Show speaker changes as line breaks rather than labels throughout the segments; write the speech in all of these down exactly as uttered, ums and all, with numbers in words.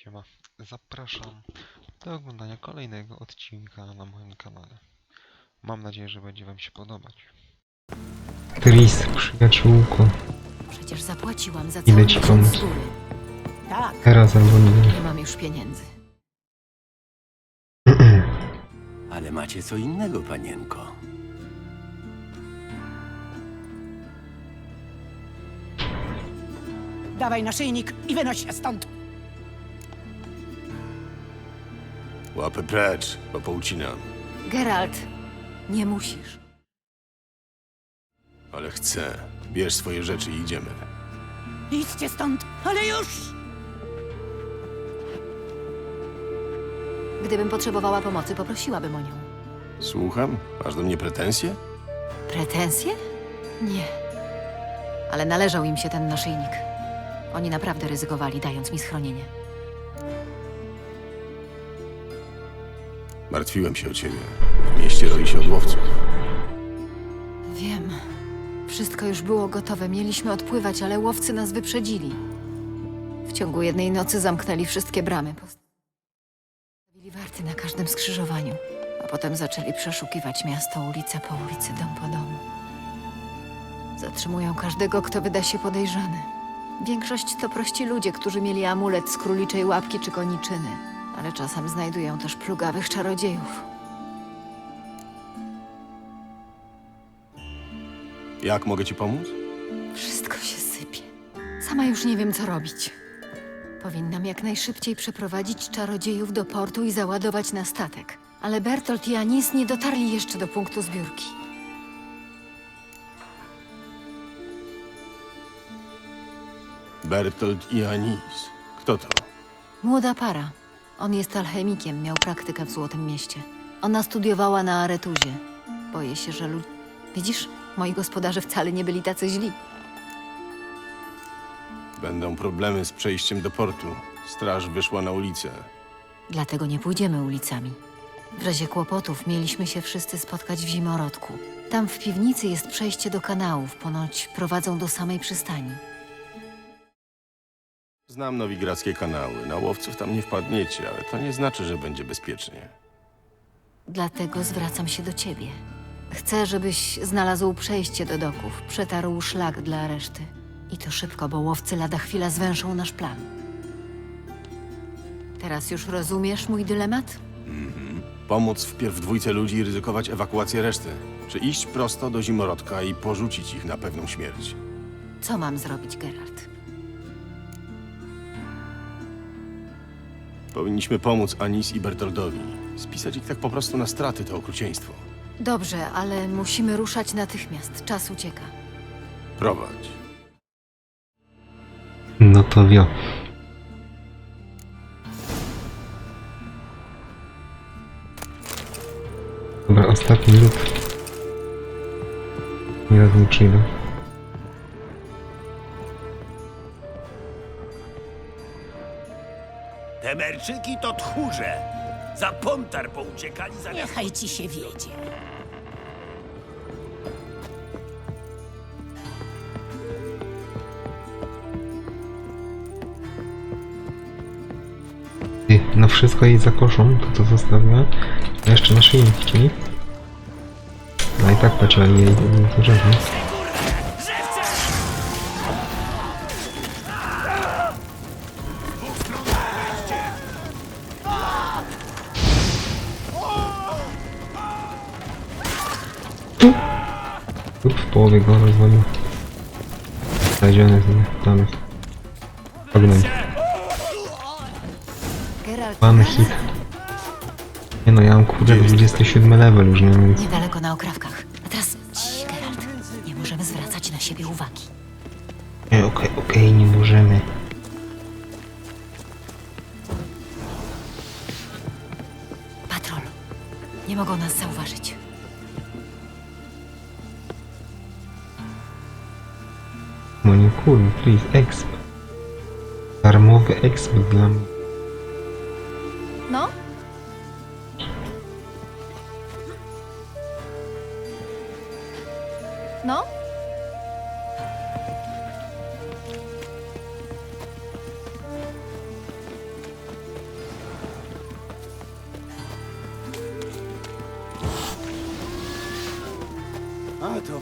Siema, zapraszam do oglądania kolejnego odcinka na moim kanale. Mam nadzieję, że będzie wam się podobać.
Tris, przyjaciółko,
Przecież zapłaciłam za
Idę
cały
ci
miesiąc
pomóc.
z góry. Tak,
teraz albo nie.
nie mam już pieniędzy.
Ale macie co innego, panienko.
Dawaj naszyjnik i wynoś się stąd.
Łapy precz, bo poucinam.
Geralt, nie musisz.
Ale chcę. Bierz swoje rzeczy i idziemy.
Idźcie stąd, ale już!
Gdybym potrzebowała pomocy, poprosiłabym o nią.
Słucham? Masz do mnie pretensje?
Pretensje? Nie. Ale należał im się ten naszyjnik. Oni naprawdę ryzykowali, dając mi schronienie.
Martwiłem się o ciebie. W mieście roi się od łowców.
Wiem. Wszystko już było gotowe. Mieliśmy odpływać, ale łowcy nas wyprzedzili. W ciągu jednej nocy zamknęli wszystkie bramy. Postawili warty na każdym skrzyżowaniu. A potem zaczęli przeszukiwać miasto ulicę po ulicy, dom po domu. Zatrzymują każdego, kto wyda się podejrzany. Większość to prości ludzie, którzy mieli amulet z króliczej łapki czy koniczyny. Ale czasem znajdują też plugawych czarodziejów.
Jak mogę ci pomóc?
Wszystko się sypie. Sama już nie wiem, co robić. Powinnam jak najszybciej przeprowadzić czarodziejów do portu i załadować na statek. Ale Bertolt i Anis nie dotarli jeszcze do punktu zbiórki.
Bertolt i Anis. Kto to?
Młoda para. On jest alchemikiem, miał praktykę w Złotym Mieście. Ona studiowała na Aretuzie. Boję się, że ludzie... Widzisz? Moi gospodarze wcale nie byli tacy źli.
Będą problemy z przejściem do portu. Straż wyszła na ulicę.
Dlatego nie pójdziemy ulicami. W razie kłopotów mieliśmy się wszyscy spotkać w Zimorodku. Tam w piwnicy jest przejście do kanałów, ponoć prowadzą do samej przystani.
Znam nowigradzkie kanały. Na łowców tam nie wpadniecie, ale to nie znaczy, że będzie bezpiecznie.
Dlatego zwracam się do ciebie. Chcę, żebyś znalazł przejście do doków, przetarł szlak dla reszty. I to szybko, bo łowcy lada chwila zwęszą nasz plan. Teraz już rozumiesz mój dylemat?
Pomóc wpierw dwójce ludzi i ryzykować ewakuację reszty. Czy iść prosto do Zimorodka i porzucić ich na pewną śmierć?
Co mam zrobić, Geralt?
Powinniśmy pomóc Anis i Bertoldowi. Spisać ich tak po prostu na straty to okrucieństwo.
Dobrze, ale musimy ruszać natychmiast. Czas ucieka.
Prowadź.
No to wio. Dobra, ostatni lód. Nieraz nie przyjdę.
Temerczyki to tchórze. Za Pontar pouciekali za
Niechaj ci się wiedzie.
Ty, no wszystko jej zakoszą, to co zostawiła. A jeszcze naszyjnik chcieli. No i tak pociągnie jej do rzeczy. Lub w połowie go rozwalił. Znaleziony z tam jest. Ognąć.
Geralt,
Mamy
raz.
hit. Nie no, ja mam kurde dwudziesty siódmy level już, nie wiem.
Niedaleko na okrawkach. A teraz, cii, Geralt, nie możemy zwracać na siebie uwagi.
Okej, okej, okej, nie możemy.
Patrol. Nie mogą nas zauważyć.
No nie kurde, please, exp. Darmowy exp dla mnie.
No? No?
A to...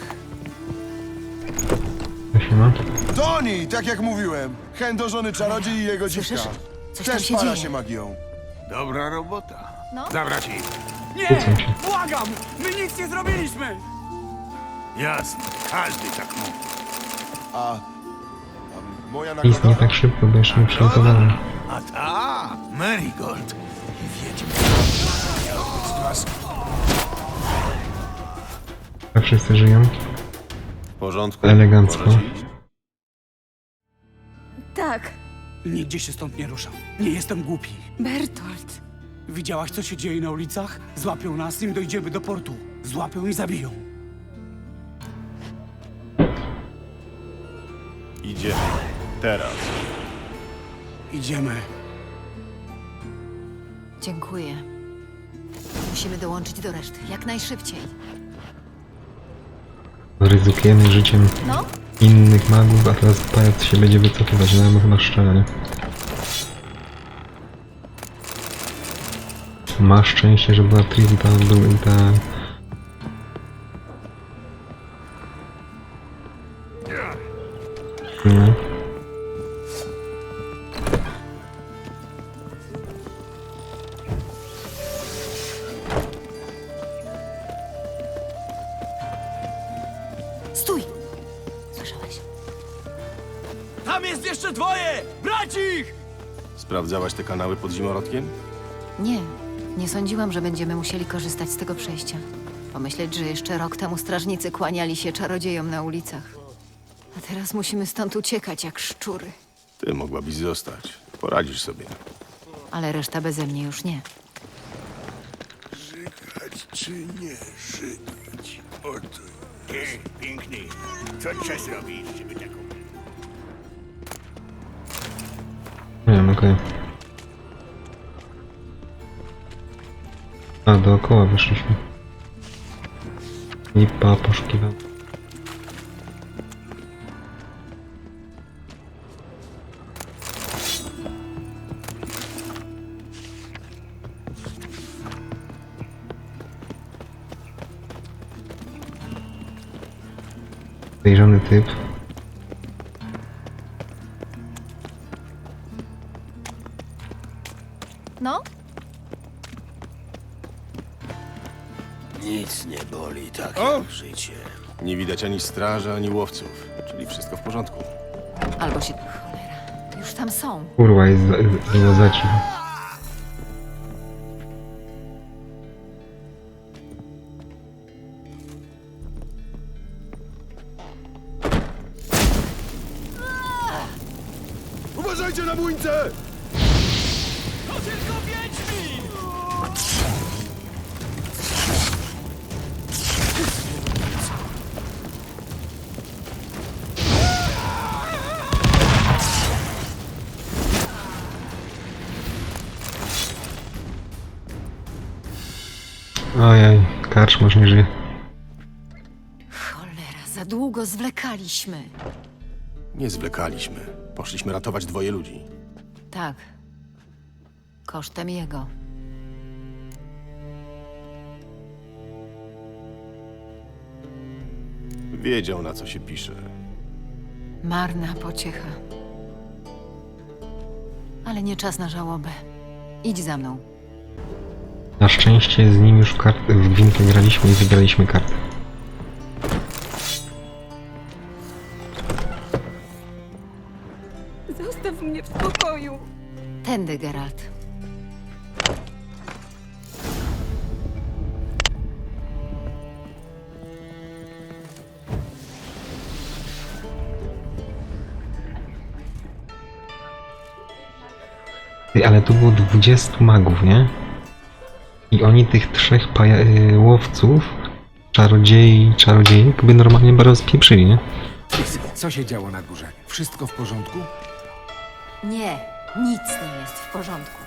To się ma.
Toni, tak jak mówiłem. Chędożony czarodziej i jego dziwka.
Słyszysz? Coś tam
Też
się
para
dzieje.
się magią.
Dobra robota.
No.
Zabrać ich.
Kłócą się.
Błagam! My nic nie zrobiliśmy!
Jasne, każdy tak mówi.
A, a moja
Nic nie
nagroda?
tak szybko, bo jeszcze nie przygotowałem.
A ta, Marigold. Wiedźmy.
A wszyscy żyją?
W porządku.
Elegancko.
Można ci iść?
Tak,
Nigdzie się stąd nie ruszam. Nie jestem głupi.
Bertolt.
Widziałaś, co się dzieje na ulicach? Złapią nas, nim dojdziemy do portu. Złapią i zabiją.
Idziemy. Teraz.
Idziemy.
Dziękuję. Musimy dołączyć do reszty, jak najszybciej.
Ryzykujemy życiem
No?
innych magów, a teraz pajac się będzie wycofywać. No, chyba szczerze, nie? Masz szczęście, że była Tris, ta był ta... No.
Stój! Słyszałeś?
Tam jest jeszcze dwoje! Brać ich!
Sprawdzałaś te kanały pod zimorodkiem?
Nie, nie sądziłam, że będziemy musieli korzystać z tego przejścia. Pomyśleć, że jeszcze rok temu strażnicy kłaniali się czarodziejom na ulicach. A teraz musimy stąd uciekać jak szczury.
Ty mogłabyś zostać. Poradzisz sobie.
Ale reszta beze mnie już nie.
Żygać czy nie żygać? Oto. Ej, piękny. Co trzeba zrobić, żeby taką...
Nie wiem, okej. A, dookoła wyszliśmy. Lipa, poszukiwał. Podejrzany typ.
No?
Nic nie boli tak jak życie.
Nie widać ani straży, ani łowców. Czyli wszystko w porządku.
Albo się... Cholera, już tam są.
Kurwa, jest za, było za cicho.
Uważajcie na młyńce!
To tylko wiedźmi!
Ojej, karczmarz nie żyje.
Cholera, za długo zwlekaliśmy.
Nie zwlekaliśmy. Poszliśmy ratować dwoje ludzi.
Tak. Kosztem jego.
Wiedział, na co się pisze.
Marna pociecha. Ale nie czas na żałobę. Idź za mną.
Na szczęście z nim już w kartę, w gwinkę graliśmy i wygraliśmy kartę.
Zostaw mnie w spokoju.
Tędy, Geralt.
Ty, ale tu było dwudziestu magów, nie? I oni tych trzech paja- y, łowców, czarodziei, czarodziejek by normalnie bardzo spieprzyli, nie?
Co się działo na górze? Wszystko w porządku?
Nie, nic nie jest w porządku.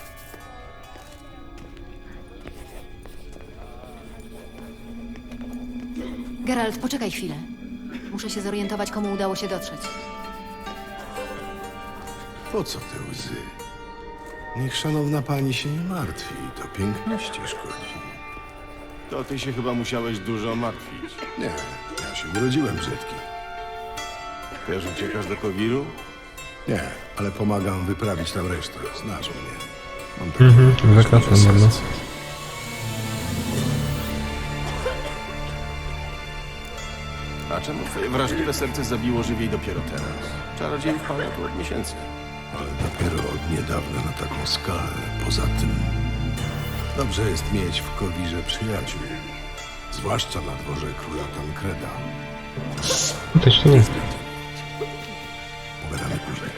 Geralt, poczekaj chwilę. Muszę się zorientować, komu udało się dotrzeć.
Po co te łzy? Niech szanowna pani się nie martwi, to piękności szkodzi.
To ty się chyba musiałeś dużo martwić.
Nie, ja się urodziłem brzydki.
Też uciekasz do Kowiru?
Nie, ale pomagam wyprawić tam resztę. Znasz mnie. Mam taką
Mhm,
możliwość
zakładam,
serca.
no.
A czemu twoje wrażliwe serce zabiło żywiej dopiero teraz? Czarodziejów pana tu od miesięcy.
Ale dopiero od niedawna na taką skalę. Poza tym, dobrze jest mieć w Kowirze przyjaciół. Zwłaszcza na dworze króla Tankreda.
No też to nie.
Pogadamy później.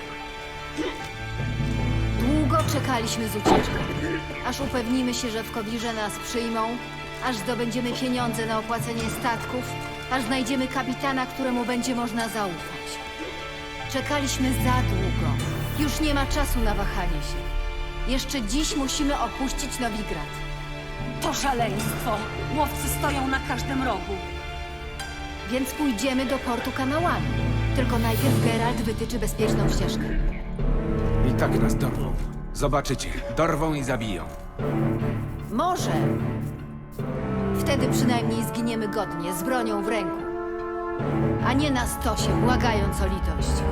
Długo czekaliśmy z ucieczką, aż upewnimy się, że w Kowirze nas przyjmą, aż zdobędziemy pieniądze na opłacenie statków, aż znajdziemy kapitana, któremu będzie można zaufać. Czekaliśmy za długo. Już nie ma czasu na wahanie się. Jeszcze dziś musimy opuścić Nowigrad.
To szaleństwo. Łowcy stoją na każdym rogu.
Więc pójdziemy do portu kanałami. Tylko najpierw Geralt wytyczy bezpieczną ścieżkę.
I tak nas dorwą. Zobaczycie. Dorwą i zabiją.
Może. Wtedy przynajmniej zginiemy godnie, z bronią w ręku. A nie na stosie, błagając o litość.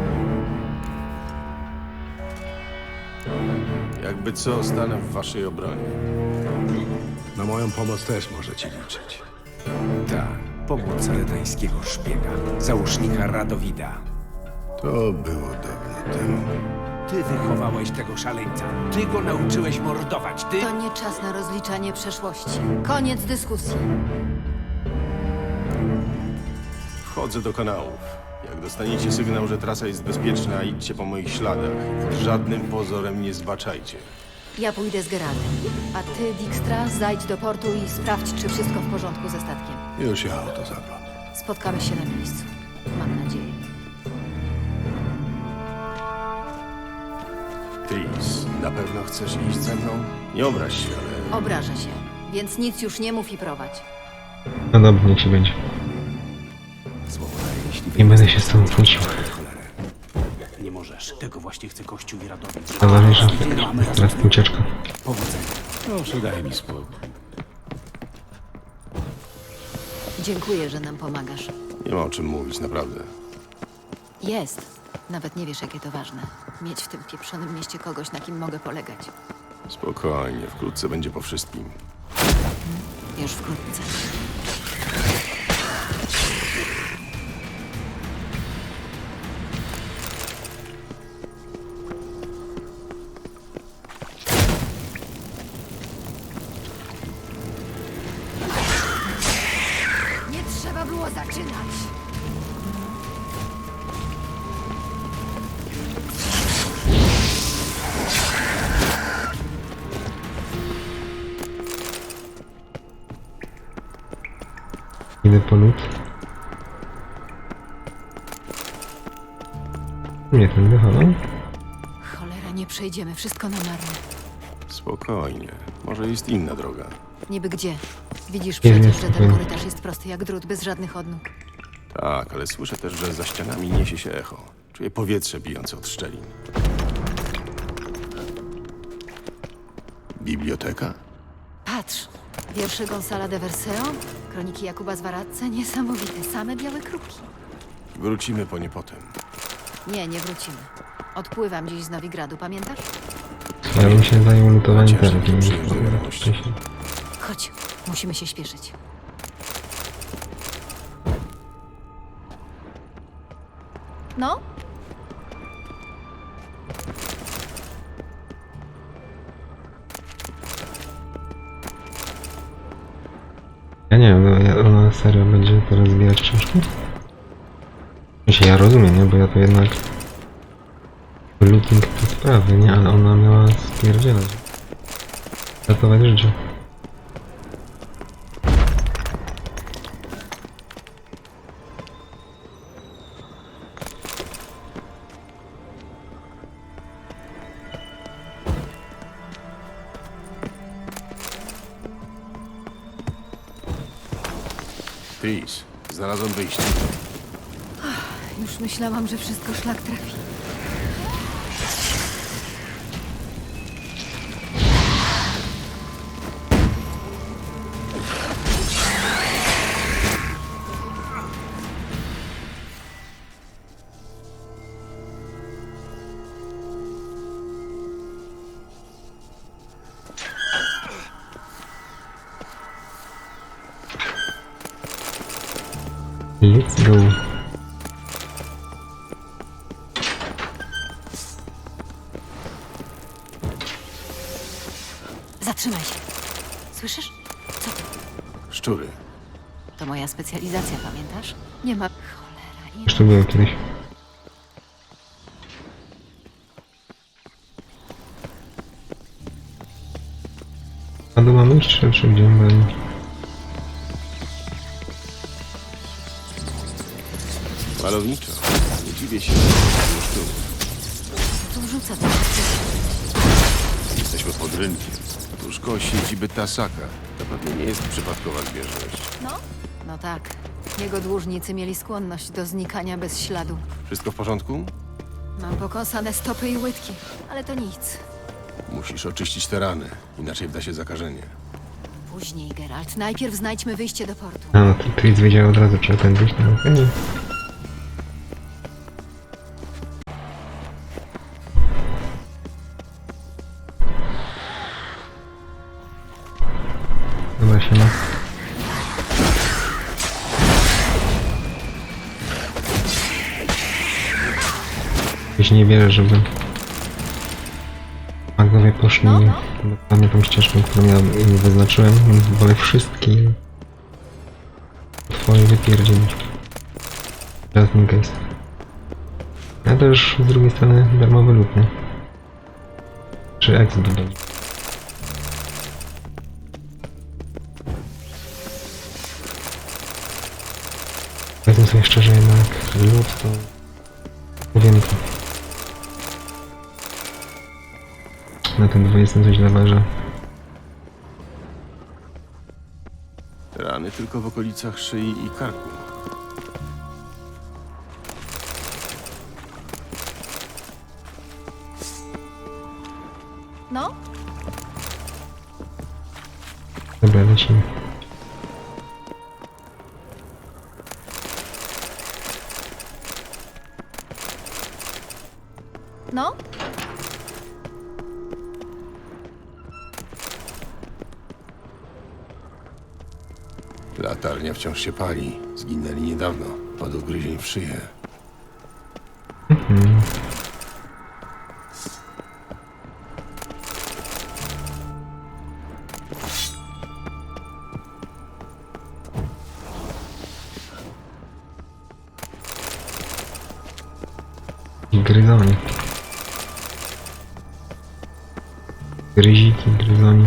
Jakby co, stanę w waszej obronie.
Na moją pomoc też możecie liczyć.
Tak. Pomóc redańskiego szpiega. Załóżnika Radowida.
To było dawno temu.
Ty wychowałeś tego szaleńca. Ty go nauczyłeś mordować. Ty...
To nie czas na rozliczanie przeszłości. Koniec dyskusji.
Wchodzę do kanałów. Jak dostaniecie sygnał, że trasa jest bezpieczna, idźcie po moich śladach. Pod żadnym pozorem nie zbaczajcie.
Ja pójdę z Geraltem. A ty, Dijkstra, zajdź do portu i sprawdź, czy wszystko w porządku ze statkiem.
Już ja o to zaglądam.
Spotkamy się na miejscu. Mam nadzieję.
Tris, na pewno chcesz iść ze mną? Nie obraź się, ale...
Obrażę się, więc nic już nie mów i prowadź.
No dobra, niech się będzie.
Słowo daję, jeśli
Nie będę się z tobą kłócił.
Nie możesz. Tego właśnie chce Kościół i Radowi.
Najważniejsza teraz ucieczka.
Powodzenia.
Proszę, daj mi spokój.
Dziękuję, że nam pomagasz.
Nie ma o czym mówić, naprawdę.
Jest. Nawet nie wiesz, jakie to ważne. Mieć w tym pieprzonym mieście kogoś, na kim mogę polegać.
Spokojnie, wkrótce będzie po wszystkim.
Już wkrótce. Nie trzeba było zaczynać.
Idę po lód. Nie, ten wychodzą.
Cholera, nie przejdziemy. Wszystko na marne.
Spokojnie. Może jest inna droga.
Niby gdzie? Widzisz
Nie, nie,
przecież, że ten
spokojnie.
korytarz jest prosty jak drut, bez żadnych odnóg.
Tak, ale słyszę też, że za ścianami niesie się echo. Czuję powietrze bijące od szczelin. Biblioteka?
Patrz, wiersze Gonzala de Verseo, kroniki Jakuba z Varadce, niesamowite, same białe kruki.
Wrócimy po nie potem.
Nie, nie wrócimy. Odpływam dziś z Nowigradu, pamiętasz?
Ja bym się zajął lutowaniem
Chociaż
teraz.
nie
nie
przyjąć do
wiem,
wiadomości.
wcześniej.
Chodź, musimy się śpieszyć. No?
Ja nie wiem, no, ja- ona serio będzie teraz zbierać książki? Myślę, ja rozumiem, nie? Bo ja to jednak... Looting to sprawy, nie? Ale ona miała stwierdzić. Ratować życie.
Tris, znalazłem wyjście.
Już myślałam, że wszystko szlak trafi.
Let's go.
Zatrzymaj się. Słyszysz? Co to?
Szczury.
To moja specjalizacja, pamiętasz? Nie ma... Cholera, nie
Już to było kiedyś. A do mamy iść, czy, czy gdzie mamy?
Malowniczo. Nie dziwię się, że szczurów.
tu wrzuca to.
Jesteśmy pod rynkiem. Tuż koło siedziby Tasaka. To pewnie nie jest przypadkowa zbieżność.
No? No tak. Jego dłużnicy mieli skłonność do znikania bez śladu.
Wszystko w porządku?
Mam pokąsane stopy i łydki, ale to nic.
Musisz oczyścić te rany, inaczej wda się zakażenie.
Później, Geralt. Najpierw znajdźmy wyjście do portu.
A no, to Tris wiedział od razu, czy tędy iść. No, okej. Dobra, się ma. Jeśli nie wierzę, żeby magowie poszli
No, no.
dokładnie tą ścieżką, którą ja im wyznaczyłem, więc wolę wszystkie twoje wypierdzielić. Just in case. A też z drugiej strony darmowy lód, nie? Czy exit do nich. Powiedzmy sobie szczerze, jednak lód to... Mówię to. Na ten dwudziesty coś zaważa.
Rany tylko w okolicach szyi i karku.
No?
Dobra, lecimy.
No?
Latarnia wciąż się pali. Zginęli niedawno. Od ugryzień w szyję.
Mhm. I gryzoni. Gryziki, gryzoni.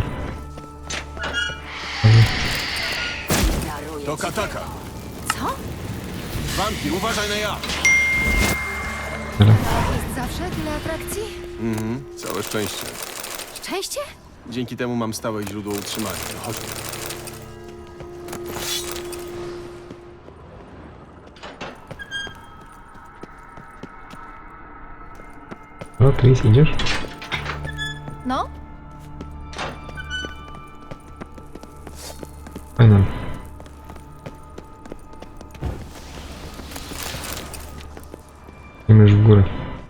To Kataka!
Co?
Wampir, uważaj na ja!
Dobra.
Jest zawsze tyle atrakcji?
Mhm, całe szczęście.
Szczęście?
Dzięki temu mam stałe źródło utrzymania. Chodźmy.
O, Tris, idziesz?
No?
Fajno. Idziemy już w górę.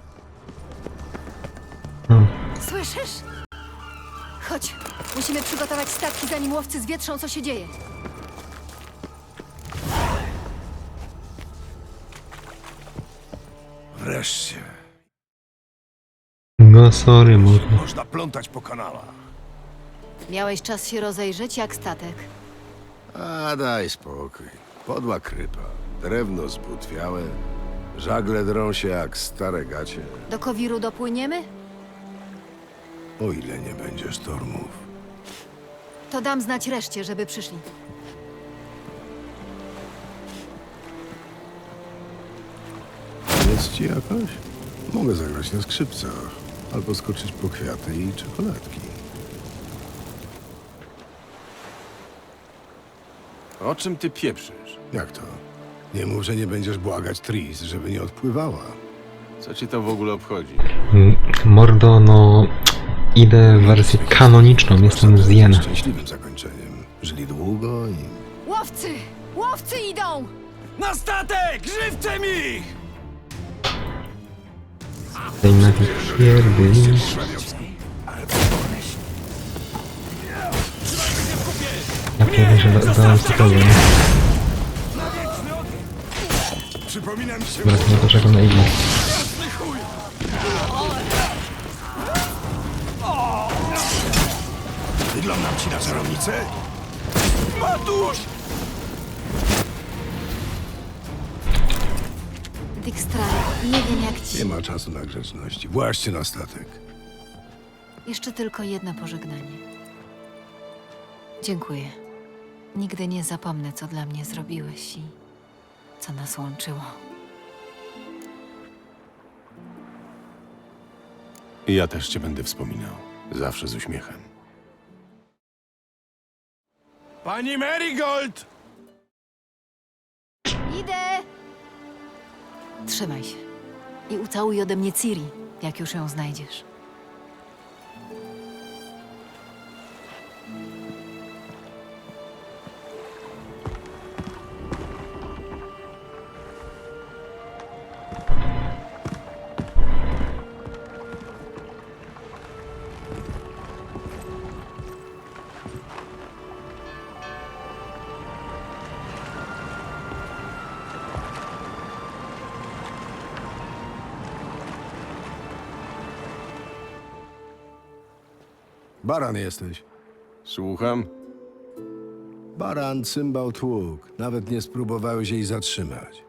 O,
Słyszysz? Chodź. Musimy przygotować statki, zanim łowcy zwietrzą, co się dzieje.
Wreszcie.
no sorry, mordo.
Można plątać po kanałach.
Miałeś czas się rozejrzeć jak statek.
A daj spokój. Podła krypa. Drewno zbutwiałe. Żagle drą się jak stare gacie.
Do Kowiru dopłyniemy?
O ile nie będzie sztormów.
To dam znać reszcie, żeby przyszli.
Jest ci jakoś? Mogę zagrać na skrzypcach. Albo skoczyć po kwiaty i czekoladki.
O czym ty pieprzysz?
Jak to? Nie mów, że nie będziesz błagać Tris, żeby nie odpływała.
Co cię to w ogóle obchodzi?
Mm, Mordo, no... Idę w wersję kanoniczną, jestem z Jena.
Szczęśliwym zakończeniem. Żyli długo i...
Łowcy! Łowcy idą!
Na statek! Żywcem ich!
Tej na tych pierdyli. Ja pierwszy, że da- dałem spokojnie.
Przypomina mi się...
Dobra, to nie poczekam na Iggy.
Jasny chuj! Wyglądam ci na czarownicę? Matuś!
Dijkstra, nie wiem jak ci...
Nie ma czasu na grzeczności. Właźcie na statek.
Jeszcze tylko jedno pożegnanie. Dziękuję. Nigdy nie zapomnę, co dla mnie zrobiłeś i co nas łączyło.
I ja też cię będę wspominał. Zawsze z uśmiechem.
Pani Marigold!
Idę! Trzymaj się. I ucałuj ode mnie Ciri, jak już ją znajdziesz.
Baran jesteś.
Słucham?
Baran, cymbał, tłuk. Nawet nie spróbowałeś jej zatrzymać.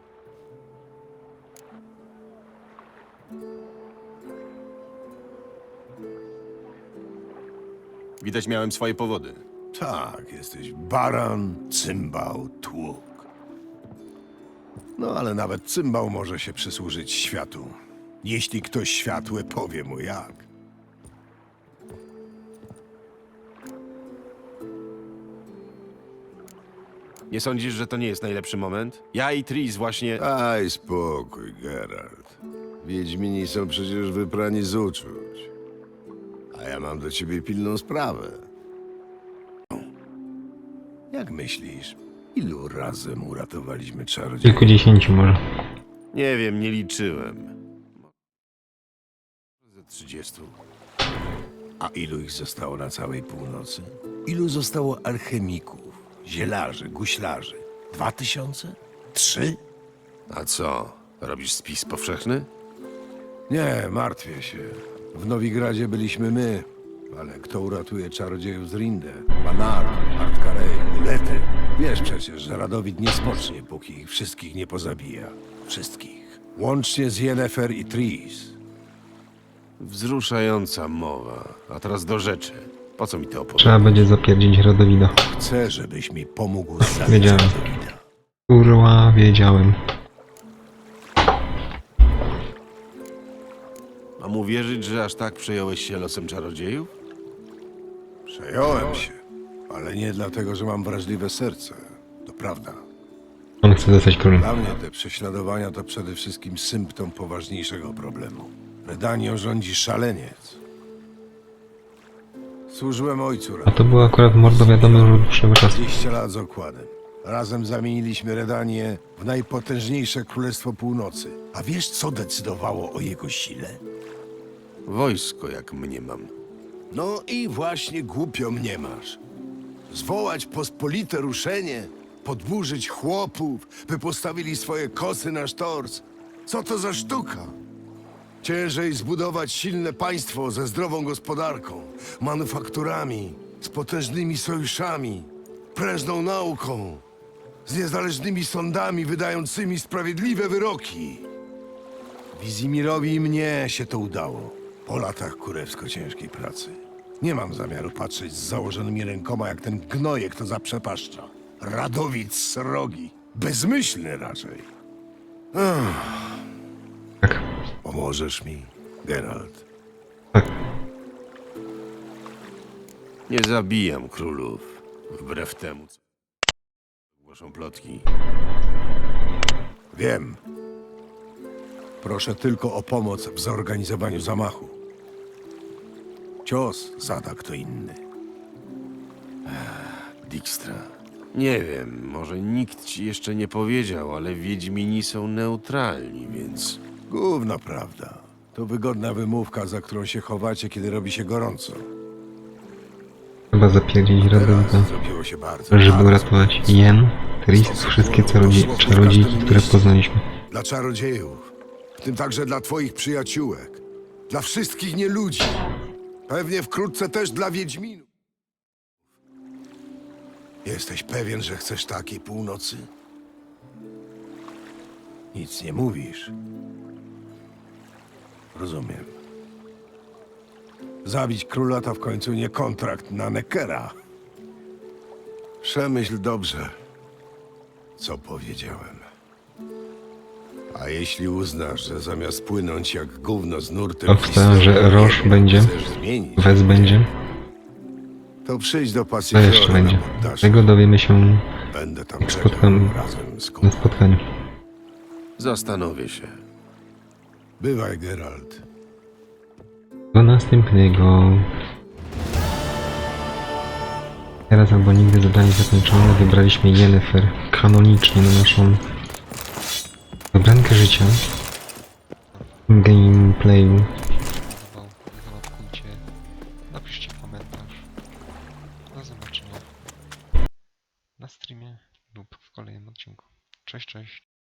Widać miałem swoje powody.
Tak, jesteś baran, cymbał, tłuk. No ale nawet cymbał może się przysłużyć światu. Jeśli ktoś światły powie mu jak.
Nie sądzisz, że to nie jest najlepszy moment? Ja i Tris właśnie...
Daj spokój, Geralt. Wiedźmini są przecież wyprani z uczuć. A ja mam do ciebie pilną sprawę. Jak myślisz, ilu razem uratowaliśmy czarodziejów?
Kilkudziesięciu może.
Nie wiem, nie liczyłem. Ze trzydziestu.
A ilu ich zostało na całej północy? Ilu zostało alchemików, zielarzy, guślarzy? Dwa tysiące? Trzy?
A co? Robisz spis powszechny?
Nie, martwię się. W Nowigradzie byliśmy my, ale kto uratuje czarodziejów z Rinde? Banard, Artkarej, Ulety. Wiesz przecież, że Radowid nie spocznie, póki ich wszystkich nie pozabija. Wszystkich. Łącznie z Yennefer i Tris.
Wzruszająca mowa. A teraz do rzeczy. Po co mi to opowiadasz?
Trzeba będzie zapierdzić Radowida.
Chcę, żebyś mi pomógł zabić
Wiedziałem.
Radowida.
Kurwa, wiedziałem.
Mam uwierzyć, że aż tak przejąłeś się losem czarodziejów?
Przejąłem się, ale nie dlatego, że mam wrażliwe serce. To prawda.
On chce zostać królem.
Dla mnie te prześladowania to przede wszystkim symptom poważniejszego problemu. Redanią rządzi szaleniec. Służyłem ojcu.
A to było akurat mordo wiadomo już od dłuższego czasu.
dwadzieścia lat z okładem. Razem zamieniliśmy Redanię w najpotężniejsze królestwo północy. A wiesz, co decydowało o jego sile?
Wojsko, jak mnie mam.
No i właśnie głupio mnie masz. Zwołać pospolite ruszenie, podburzyć chłopów, by postawili swoje kosy na sztorc. Co to za sztuka? Ciężej zbudować silne państwo ze zdrową gospodarką, manufakturami, z potężnymi sojuszami, prężną nauką, z niezależnymi sądami wydającymi sprawiedliwe wyroki. Wizimirowi i mnie się to udało. Po latach kurewsko ciężkiej pracy. Nie mam zamiaru patrzeć z założonymi rękoma jak ten gnojek to zaprzepaszcza. Radowid srogi. Bezmyślny raczej. Ech.
Tak.
Pomożesz mi, Geralt?
Tak.
Nie zabijam królów. Wbrew temu, co głoszą plotki.
Wiem. Proszę tylko o pomoc w zorganizowaniu zamachu. Cios zada kto inny.
Dijkstra. Nie wiem, może nikt ci jeszcze nie powiedział, ale Wiedźmini są neutralni, więc...
Gówno prawda. To wygodna wymówka, za którą się chowacie, kiedy robi się gorąco.
Trzeba zapierdzić
Teraz
Radowida,
zrobiło się bardzo,
żeby
bardzo
uratować Yen, Tris, wszystkie czarodzie czarodziejki, które poznaliśmy.
Dla czarodziejów. W tym także dla twoich przyjaciółek. Dla wszystkich nieludzi. Pewnie wkrótce też dla Wiedźminów. Jesteś pewien, że chcesz takiej północy? Nic nie mówisz. Rozumiem. Zabić króla to w końcu nie kontrakt na Neckera. Przemyśl dobrze, co powiedziałem. A jeśli uznasz, że zamiast płynąć jak gówno z nurtem...
Obstawiam, że
historii
Roche
jednak
będzie.
chcesz zmienić,
Wes będzie.
to przyjdź do
Co jeszcze
Pacyfiora na
będzie?
poddasze.
Tego dowiemy się
Będę tam
jak
czekał
spotkamy
razem z
na
kumplem.
spotkaniu.
Zastanowię się.
Bywaj, Geralt.
Do następnego. Teraz albo nigdy zadanie zakończone. Wybraliśmy Yennefer kanonicznie na naszą wybrankę życia. W gameplayu.
Podobał, załapkujcie, napiszcie komentarz. Do zobaczenia na streamie lub w kolejnym odcinku. Cześć, cześć.